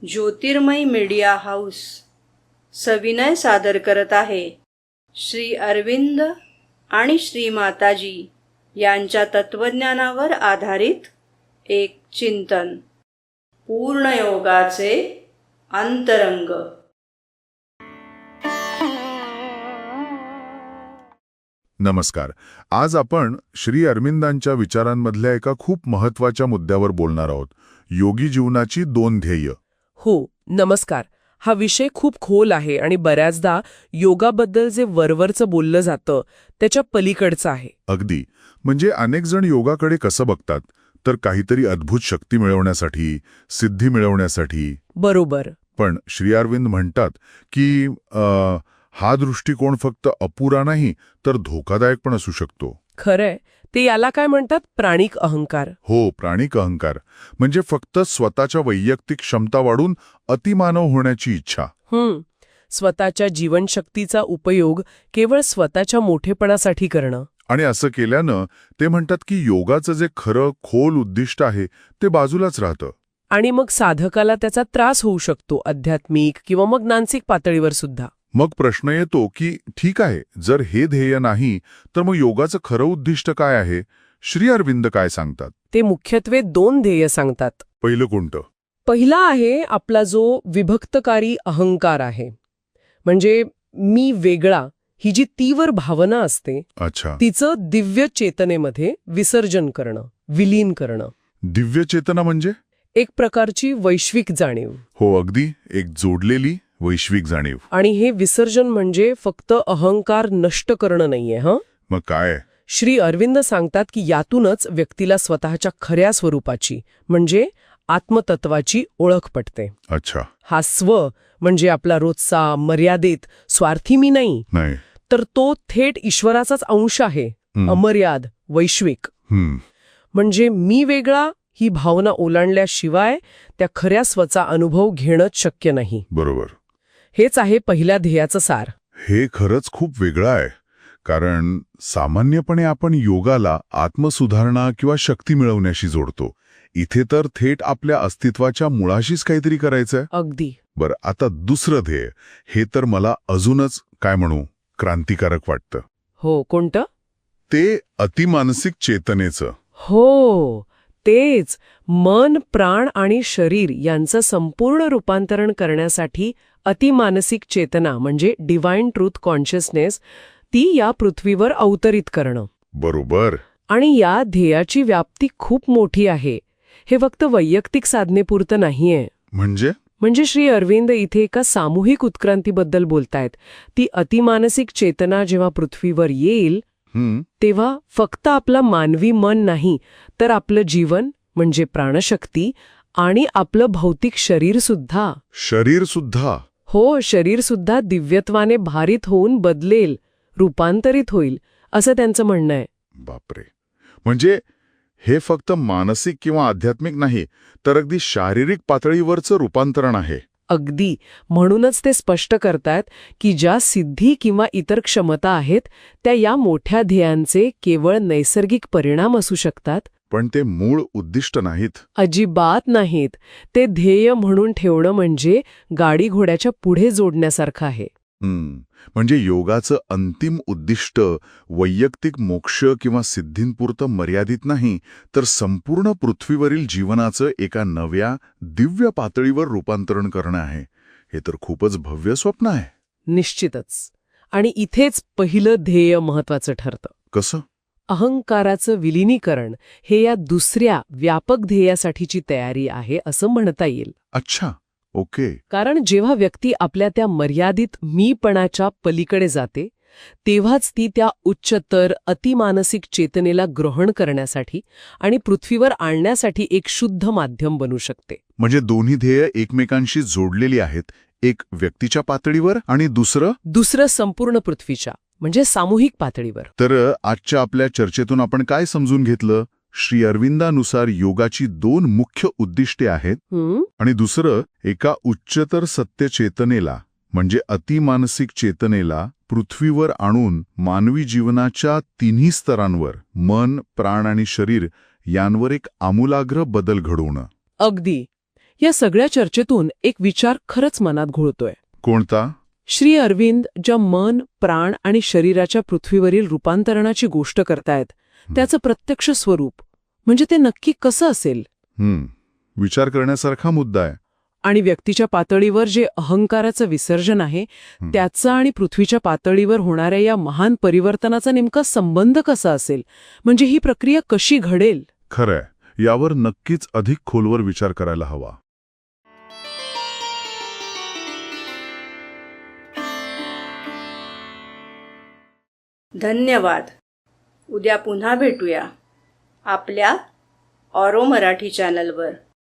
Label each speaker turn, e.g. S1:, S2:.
S1: ज्योतिर्मय media house सविनय सादर करत आहे श्री अरविंद आणि श्री माताजी यांच्या तत्वज्ञानावर आधारित एक चिंतन, पूर्णयोगाचे अंतरंग.
S2: नमस्कार. आज आपण श्री अरविंदांच्या विचारांमधल्या एका खूप महत्वाच्या मुद्द्यावर बोलणार आहोत. योगी जीवनाची 2 ध्येय.
S3: हो, नमस्कार. हा विषय खूप खोल आहे आणि बऱ्याचदा योगाबद्दल जे वरवरचं बोललं जातं त्याच्या पलीकडचं आहे.
S2: अगदी. म्हणजे अनेक जण योगाकडे कसं बघतात, तर काहीतरी अद्भुत शक्ती मिळवण्यासाठी, सिद्धी मिळवण्यासाठी.
S3: बरोबर.
S2: पण श्री अरविंद म्हणतात की हा दृष्टिकोन फक्त अपुरा नाही, तर धोकादायक पण असू शकतो.
S3: खरंय. ते याला काय म्हणतात? प्राणिक अहंकार.
S2: हो, प्राणिक अहंकार. म्हणजे फक्त स्वतःच्या वैयक्तिक क्षमता वाढून अतिमानव होण्याची इच्छा.
S3: स्वतःच्या जीवनशक्तीचा उपयोग केवळ स्वतःच्या मोठेपणासाठी करणं.
S2: आणि असं केल्यानं ते म्हणतात की योगाचं जे खरं खोल उद्दिष्ट आहे ते बाजूलाच राहतं.
S3: आणि मग साधकाला त्याचा त्रास होऊ शकतो, आध्यात्मिक किंवा मग मानसिक पातळीवर सुद्धा.
S2: मग प्रश्न येतो की ठीक आहे, जर हे ध्येय नाही तर मग योगाचं खरं उद्दिष्ट काय आहे? श्री अरविंद काय सांगतात?
S3: ते मुख्यत्वे 2 ध्येय सांगतात.
S2: पहिलं कोणतं?
S3: पहिला आहे आपला जो विभक्तकारी अहंकार आहे. म्हणजे मी वेगळा ही जी तीव्र भावना असते,
S2: अच्छा,
S3: तिचं दिव्य चेतनेमध्ये विसर्जन करणं, विलीन करणं.
S2: दिव्य चेतना म्हणजे?
S3: एक प्रकारची वैश्विक जाणीव.
S2: हो, अगदी. एक जोडलेली वैश्विक जाणीव.
S3: आणि हे विसर्जन म्हणजे फक्त अहंकार नष्ट करणं नाहीये.
S2: मग काय?
S3: श्री अरविंद सांगतात की यातूनच व्यक्तीला स्वतःच्या खऱ्या स्वरूपाची म्हणजे आत्मतत्वाची ओळख पटते.
S2: अच्छा.
S3: हा स्व म्हणजे आपला रोजचा मर्यादित स्वार्थी मी नाही, तर तो थेट ईश्वराचाच अंश आहे, अमर्याद, वैश्विक. म्हणजे मी वेगळा ही भावना ओलांडल्याशिवाय त्या खऱ्या स्वचा अनुभव घेणंच शक्य नाही.
S2: बरोबर.
S3: हेच आहे पहिल्या ध्येयाचं सार.
S2: हे खरंच खूप वेगळं आहे, कारण सामान्यपणे आपण योगाला आत्मसुधारणा किंवा शक्ती मिळवण्याशी जोडतो. इथे तर थेट आपल्या अस्तित्वाच्या मुळाशीच काहीतरी करायचंय.
S3: अगदी.
S2: बरं, आता दुसरं ध्येय, हे तर मला अजूनच काय म्हणू, क्रांतिकारक वाटतं.
S3: हो, कोणतं?
S2: ते अतिमानसिक चेतनेचं.
S3: हो, तेच. मन, प्राण आणि शरीर यांचं संपूर्ण रूपांतरण करण्यासाठी अतिमानसिक चेतना म्हणजे डिव्हाइन ट्रूथ कॉन्शियसनेस ती या पृथ्वीवर अवतरित करणं.
S2: बरोबर.
S3: आणि या ध्येयाची व्याप्ती खूप मोठी आहे. हे फक्त वैयक्तिक साधनेपुरतं नाहीये. म्हणजे श्री अरविंद इथे एका सामूहिक उत्क्रांतीबद्दल बोलतायत. ती अतिमानसिक चेतना जेव्हा पृथ्वीवर येईल तेव्हा फक्त आपलं मानवी मन नाही, तर आपलं जीवन म्हणजे प्राणशक्ती आणि आपलं भौतिक शरीर सुद्धा. हो, शरीर सुद्धा दिव्यत्वाने भारित होऊन बदलेल, रूपांतरित होईल, असं त्यांचं म्हणणं आहे.
S2: बापरे. म्हणजे हे फक्त मानसिक किंवा आध्यात्मिक नाही, तर अगदी शारीरिक पातळीवरचं रूपांतरण आहे.
S3: अगदी. म्हणूनच ते स्पष्ट करतात की ज्या सिद्धी किंवा इतर क्षमता आहेत त्या या मोठ्या ध्येयांचे केवळ नैसर्गिक परिणाम असू शकतात,
S2: पण ते मूळ उद्दिष्ट नाहीत.
S3: अजिबात नाहीत. ते ध्येय म्हणून ठेवणं म्हणजे गाडी घोड्याच्या पुढे जोडण्यासारखं आहे.
S2: म्हणजे योगाचं अंतिम उद्दिष्ट वैयक्तिक मोक्ष किंवा सिद्धींपुरतं मर्यादित नाही, तर संपूर्ण पृथ्वीवरील जीवनाचं एका नव्या दिव्य पातळीवर रूपांतरण करणं आहे. हे तर खूपच भव्य स्वप्न आहे.
S3: निश्चितच. आणि इथेच पहिलं ध्येय महत्वाचं ठरतं.
S2: कसं?
S3: अहंकाराचं विलिनीकरण हे या दुसऱ्या व्यापक ध्येयासाठीची तयारी आहे असं म्हणता येईल.
S2: अच्छा, ओके.
S3: कारण जेव्हा व्यक्ती आपल्या त्या मर्यादित मीपणाच्या पलीकडे जाते तेव्हाच ती त्या उच्चतर अतिमानसिक चेतनेला ग्रहण करण्यासाठी आणि पृथ्वीवर आणण्यासाठी एक शुद्ध माध्यम बनू शकते.
S2: म्हणजे दोन्ही ध्येय एकमेकांशी जोडलेली आहेत, एक व्यक्तीच्या पातळीवर आणि दुसरं
S3: संपूर्ण पृथ्वीच्या म्हणजे सामूहिक पातळीवर.
S2: तर आजच्या आपल्या चर्चेतून आपण काय समजून घेतलं? श्री अरविंदानुसार योगाची 2 मुख्य उद्दिष्टे आहेत आणि दुसरं एका उच्चतर सत्य चेतनेला म्हणजे अतिमानसिक चेतनेला पृथ्वीवर आणून मानवी जीवनाच्या 3 स्तरांवर मन, प्राण आणि शरीर यांवर एक आमूलाग्र बदल घडवणं.
S3: अगदी. या सगळ्या चर्चेतून एक विचार खरंच मनात घोळतोय.
S2: कोणता?
S3: श्री अरविंद ज्या मन, प्राण आणि शरीराच्या पृथ्वीवरील रूपांतरणाची गोष्ट करतायत त्याचं प्रत्यक्ष स्वरूप म्हणजे ते नक्की कसं असेल?
S2: विचार करण्यासारखा मुद्दा आहे.
S3: आणि व्यक्तीच्या पातळीवर जे अहंकाराचं विसर्जन आहे त्याचा आणि पृथ्वीच्या पातळीवर होणाऱ्या या महान परिवर्तनाचा नेमका संबंध कसा असेल, म्हणजे ही प्रक्रिया कशी घडेल?
S2: खरंय, यावर नक्कीच अधिक खोलवर विचार करायला हवा.
S1: धन्यवाद. उद्या पुन्हा भेटूया आपल्या ऑरो मराठी चॅनलवर.